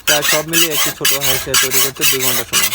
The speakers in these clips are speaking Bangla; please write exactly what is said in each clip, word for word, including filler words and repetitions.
প্রায় সব মিলিয়ে একটি ছোট হাঁসিয়া তৈরি করতে দুই ঘন্টা সময়।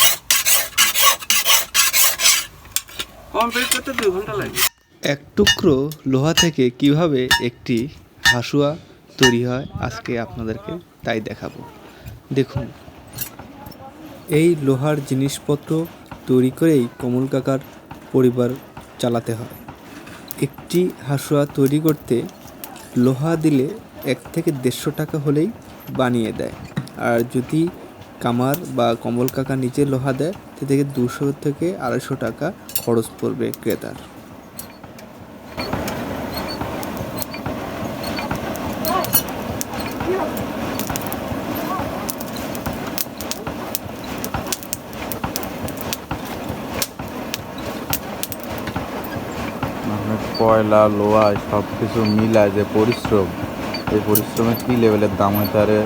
কমপ্লিট করতে দুই ঘন্টা লাগে। এক টুকরো লোহা থেকে কিভাবে একটি হাঁসুয়া তৈরি হয় আজকে আপনাদেরকে তাই দেখাবো। দেখুন, এই লোহার জিনিসপত্র তৈরি করেই কমল কাকার পরিবার চালাতে হয়। একটি হাঁসুয়া তৈরি করতে লোহা দিলে এক থেকে দেড়শো টাকা হলেই বানিয়ে দেয়, আর যদি কামার বা কমল কাকা নিজে লোহা দেয় সে থেকে দুশো থেকে আড়াইশো টাকা খরচ পড়বে ক্রেতার। কয়লা লোহা সব কিছু মিলায় যে পরিশ্রম, এই পরিশ্রমের কি লেভেলের দাম হইতে পারে।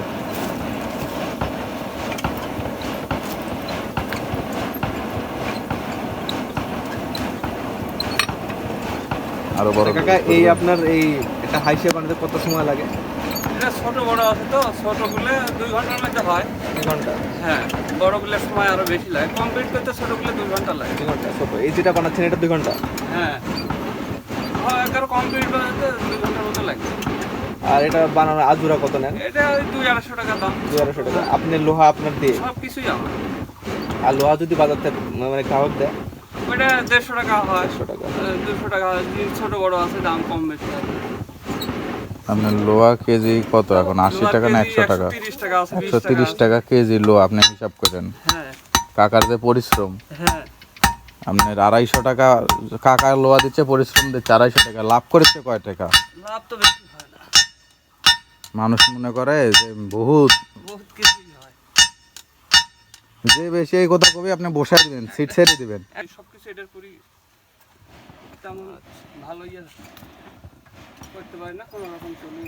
আরো বড় কাকা, এই আপনার এই একটা হাঁসিয়া বানাতে কত সময় লাগে? এটা ছোট বড় আছে তো, ছোটগুলো দুই ঘন্টার মধ্যে হয়। দুই ঘন্টা? হ্যাঁ, বড়গুলোর সময় আরো বেশি লাগে। কমপ্লিট করতে ছোটগুলো দুই ঘন্টা লাগে। দুই ঘন্টা ছোট। এই যেটা বানাচ্ছেন এটা দুই ঘন্টা? হ্যাঁ, হয় এগারো কমপ্লিট করতে দুই ঘন্টার মতো লাগে। আর এটা বানানোর আজুরা কত নেন? এটা ওই দুই আড়াইশো টাকা দাম। দুই আড়াইশো টাকা। আপনি লোহা আপনার দিয়ে? সব কিছুই আমার। আর লোহা যদি বাজার থেকে মানে গ্রাহক দেয়? ওইটা দেড়শো টাকা হয়, দেড়শো টাকা। দুশো টাকা হয়। ছোট বড় আছে, দাম কম বেশি হয়। আপনার লোহা কেজি কত এখন, আশি টাকা না একশো টাকা? তিরিশ টাকা আছে, একশো তিরিশ টাকা কেজি লোহা আপনি হিসাব করেন। হ্যাঁ কাকার যে পরিশ্রম, হ্যাঁ, আপনার আড়াইশো টাকা কাকার লোহা দিচ্ছে, পরিশ্রম দিচ্ছে আড়াইশো টাকা, লাভ করেছে কয় টাকা? লাভ তো বেশি হয় না। মানুষ মনে করে যে বহুত বহুত কিছুই হয়। যে বেশি এই কথা কবি আপনি বসাই দিবেন, সিট ছেড়ে দিবেন। এই সবকিছু এটার করি তেমন ভালো ইয়ে করতে পারি না, কোনো রকম চলে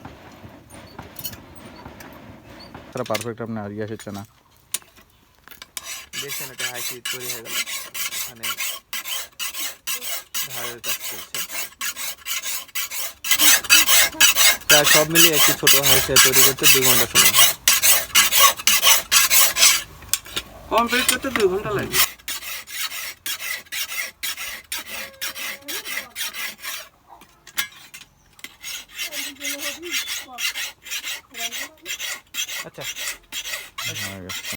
তারা পারফেক্ট আপনি আর ইয়ে হচ্ছে না। দেখছেন একটা হাঁসি তৈরি হয়ে গেল। এখানে ধারের কাজ চলছে। প্রায় সব মিলিয়ে একটি ছোট হাঁসিয়া তৈরি করতে দুই ঘন্টা সময়। কমপ্লিট করতে দুই ঘন্টা লাগে।